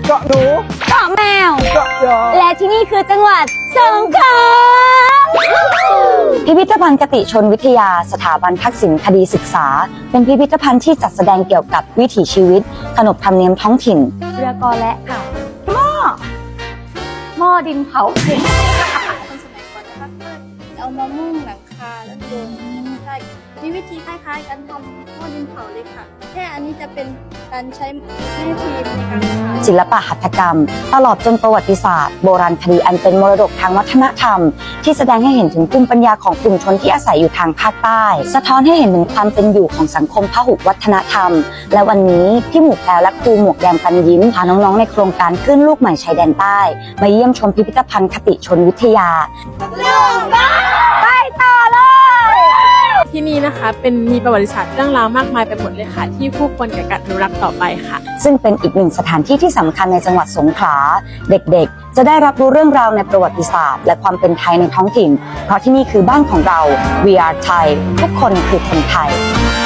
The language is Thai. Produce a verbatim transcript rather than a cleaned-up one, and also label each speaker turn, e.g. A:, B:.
A: เกาะหนู
B: เกาะแมว
A: เกาะยอ
B: และที่นี่คือจังหวัดสงขลาพิพิธภัณฑ์กติชนวิทยาสถาบันทักษิณคดีศึกษาเป็นพิพิธภัณฑ์ที่จัดแสดงเกี่ยวกับวิถีชีวิตขนบธรรมเนียมท้องถิ่นเรือกอและค่ะหม้อหม้อดินเผา
C: คนสมัยก่อนนะคะก็เอามามุ่งหลังคาแล้วโยนใช่มีวิธีคล้ายๆกันทำหม้อดินเผาเลยค่ะแค่อันนี้จะเป็นการใช้แม่พิมพ์ในการทำ
B: ศิลปะหัตถกรรม ตลอดจนประวัติศาสตร์โบราณคดีอันเป็นมรดกทางวัฒนธรรม ที่แสดงให้เห็นถึงภูมิปัญญาของกลุ่มชนที่อาศัยอยู่ทางภาคใต้ สะท้อนให้เห็นถึงความเป็นอยู่ของสังคมพหุวัฒนธรรม และวันนี้พี่หมูแพรวและครูหมวกแดงปันยิ้มพาน้องๆในโครงการขึ้นลูกใหม่ชายแดนใต้มาเยี่ยมชมพิพิธภัณฑ์คติชนวิทยาไปต่อเลย
D: ที่นี่นะคะเป็นมีประวัติศาสตร์เรื่องราวมากมายไปหมดเลยค่ะที่คู่ควรแก่การอนุรักษ์ต่อไปค่ะ
B: ซึ่งเป็นอีกหนึ่งสถานที่ที่สำคัญในจังหวัดสงขลาเด็กๆจะได้รับรู้เรื่องราวในประวัติศาสตร์และความเป็นไทยในท้องถิ่นเพราะที่นี่คือบ้านของเรา We are Thai ทุกคนคือคนไทย